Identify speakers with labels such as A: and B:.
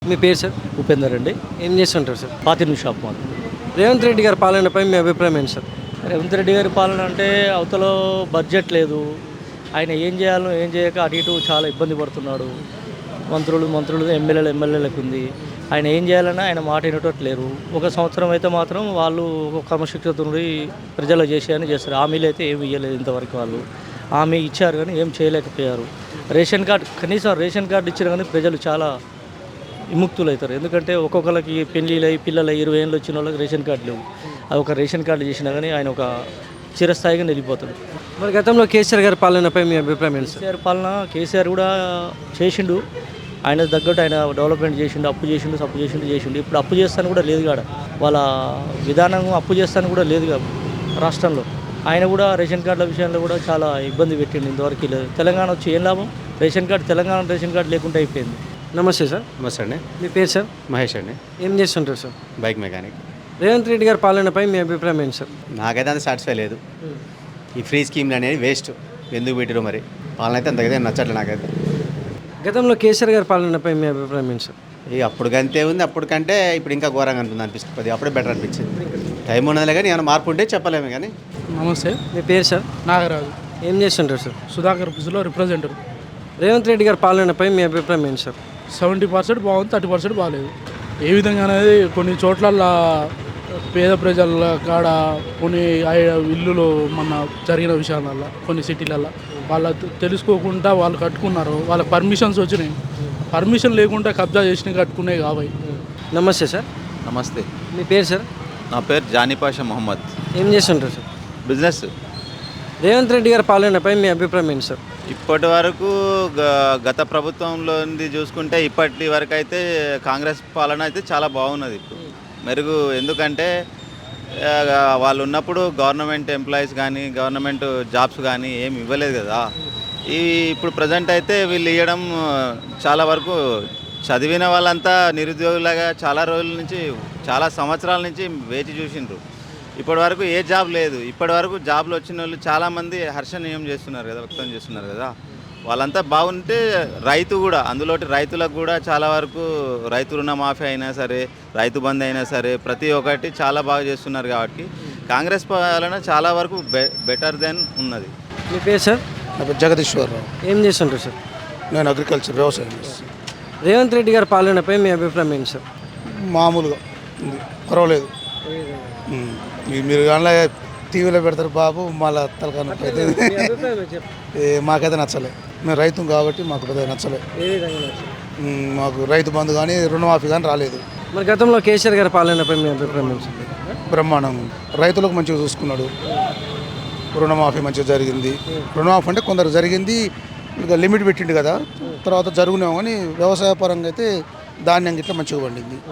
A: మీ పేరు సార్?
B: ఉపేందర్ అండి.
A: ఏం చేస్తుంటారు సార్?
B: పాతిని షాప్ మాది.
A: రేవంత్ రెడ్డి గారి పాలనపై మీ అభిప్రాయం ఏంటి సార్?
B: రేవంత్ రెడ్డి గారి పాలన అంటే అవతల బడ్జెట్ లేదు. ఆయన ఏం చేయాలో ఏం చేయక అటు ఇటు చాలా ఇబ్బంది పడుతున్నాడు. మంత్రులు ఎమ్మెల్యేలకు ఉంది. ఆయన ఏం చేయాలన్నా ఆయన మాట వినటట్లేరు. ఒక సంవత్సరం అయితే మాత్రం వాళ్ళు ఒక క్రమశిక్షణతో ప్రజలు చేసేయని చేస్తారు. హామీలు అయితే ఏమి ఇవ్వలేదు ఇంతవరకు. వాళ్ళు హామీ ఇచ్చారు కానీ ఏం చేయలేకపోయారు. కనీసం రేషన్ కార్డు ఇచ్చారు కానీ ప్రజలు చాలా విముక్తులు అవుతారు. ఎందుకంటే ఒక్కొక్కరికి పెళ్ళిళ్ళై పిల్లలు 20 ఏళ్ళు వచ్చిన వాళ్ళకి రేషన్ కార్డు లేవు. అది ఒక రేషన్ కార్డు చేసినా కానీ ఆయన ఒక చిరస్థాయిగా నిలిపోతాడు.
A: మరి గతంలో కేసీఆర్ గారి పాలనపై మీ అభిప్రాయం ఏంటి సార్?
B: కేసీఆర్ కూడా చేసిండు. ఆయన తగ్గట్టు ఆయన డెవలప్మెంట్ చేసిండు, అప్పు చేసిండు. ఇప్పుడు అప్పు చేస్తాను కూడా లేదు కాడ. వాళ్ళ విధానం అప్పు చేస్తాను కూడా లేదు కాదు రాష్ట్రంలో. ఆయన కూడా రేషన్ కార్డుల విషయంలో కూడా చాలా ఇబ్బంది పెట్టిండు. ఇంతవరకు లేదు. తెలంగాణ వచ్చి ఏం లాభం? తెలంగాణ రేషన్ కార్డు లేకుండా అయిపోయింది.
A: నమస్తే సార్.
C: నమస్తే అండి.
A: మీ పేరు సార్?
C: మహేష్ అండి.
A: ఏం చేస్తుంటారు sir?
C: Bike mechanic.
A: Revanth Reddy గారి పాలనపై మీ అభిప్రాయం ఏంటి సార్?
C: నాకైతే అంత సాటిస్ఫై లేదు. ఈ ఫ్రీ స్కీమ్లు అనేది వేస్ట్. ఎందుకు పెట్టారు మరి? పాలన అయితే అంతకైతే నచ్చట్లేదు నాకైతే.
A: గతంలో కేసీఆర్ గారి పాలనపై మీ అభిప్రాయం ఏంటి సార్?
C: ఇక అప్పటికంతే ఉంది. అప్పటికంటే ఇప్పుడు ఇంకా ఘోరంగా అనిపిస్తుంది. అప్పుడే బెటర్ అనిపించింది. టైం ఉన్నదిలే కానీ ఏమైనా మార్పు ఉంటే చెప్పలేము కానీ.
D: నమస్తే.
A: మీ పేరు సార్?
D: నాగరాజు.
A: ఏం చేస్తుంటారు సార్?
D: సుధాకర్ ఆఫీసులో రిప్రజెంటర్.
A: రేవంత్ రెడ్డి గారి పాలనపై మీ అభిప్రాయం ఏంటి సార్?
D: 70% బాగుంది, 30% బాగాలేదు. ఏ విధంగా అనేది కొన్ని చోట్ల పేద ప్రజల కాడ కొన్ని ఇల్లులు మన జరిగిన విషయాలల్లో కొన్ని సిటీలల్లో వాళ్ళ తెలుసుకోకుండా వాళ్ళు కట్టుకున్నారు. వాళ్ళకి పర్మిషన్స్ వచ్చినాయి. పర్మిషన్ లేకుండా కబ్జా చేసినవి కట్టుకునే కాబట్టి.
A: నమస్తే సార్.
E: నమస్తే.
A: మీ పేరు సార్?
E: నా పేరు జానీపాషా మొహమ్మద్.
A: ఏం చేస్తుంటారు సార్?
E: బిజినెస్.
A: రేవంత్ రెడ్డి గారి పాలనపై మీ అభిప్రాయం ఏంటి సార్?
E: ఇప్పటి వరకు గత ప్రభుత్వంలో చూసుకుంటే ఇప్పటి వరకు అయితే కాంగ్రెస్ పాలన అయితే చాలా బాగున్నది. ఇప్పుడు మెరుగు. ఎందుకంటే వాళ్ళు ఉన్నప్పుడు గవర్నమెంట్ ఎంప్లాయీస్ కానీ గవర్నమెంట్ జాబ్స్ కానీ ఏమి ఇవ్వలేదు కదా. ఇప్పుడు ప్రజెంట్ అయితే వీళ్ళు ఇవ్వడం చాలా వరకు చదివిన వాళ్ళంతా నిరుద్యోగులాగా చాలా రోజుల నుంచి చాలా సంవత్సరాల నుంచి వేచి చూసిండ్రు. ఇప్పటి వరకు ఏ జాబ్ లేదు. ఇప్పటి వరకు జాబ్లు వచ్చిన వాళ్ళు చాలామంది హర్షణీయం చేస్తున్నారు కదా, వ్యక్తం చేస్తున్నారు కదా. వాళ్ళంతా బాగుంటే రైతు కూడా అందులోటి రైతులకు కూడా చాలా వరకు రైతు రుణమాఫీ అయినా సరే, రైతు బంధు అయినా సరే, ప్రతి ఒక్కటి చాలా బాగా చేస్తున్నారు. కాబట్టి కాంగ్రెస్ పాలన చాలా వరకు బెటర్ దెన్ ఉన్నది.
A: మీ పేరు సార్?
D: నా పేరు జగదీశ్వరరావు.
A: ఏం చేస్తుంటారు సార్?
D: నేను అగ్రికల్చర్ వ్యవసాయం చేస్తాను.
A: రేవంత్ రెడ్డి గారి పాలనపై మీ అభిప్రాయం ఏంటి సార్?
D: మామూలుగా ఉంది, పర్వాలేదు. మీరు కానీ టీవీలో పెడతారు బాబు, మళ్ళీ తలకాన మాకైతే నచ్చలే. మేము రైతు కాబట్టి మాకు పెద్దగా నచ్చలే. మాకు రైతు బంధు కానీ రుణమాఫీ కానీ రాలేదు.
A: మరి గతంలో కేసీఆర్ గారి పాలనపై మీ అభిప్రాయం ఏంటి?
D: బ్రహ్మాండం. రైతులకు మంచిగా చూసుకున్నాడు. రుణమాఫీ మంచిగా జరిగింది. రుణమాఫీ అంటే కొందరు జరిగింది, ఇక లిమిట్ పెట్టిండు కదా, తర్వాత జరుగునేమో కానీ వ్యవసాయ పరంగా అయితే ధాన్యం గిట్లా మంచిగా పండింది.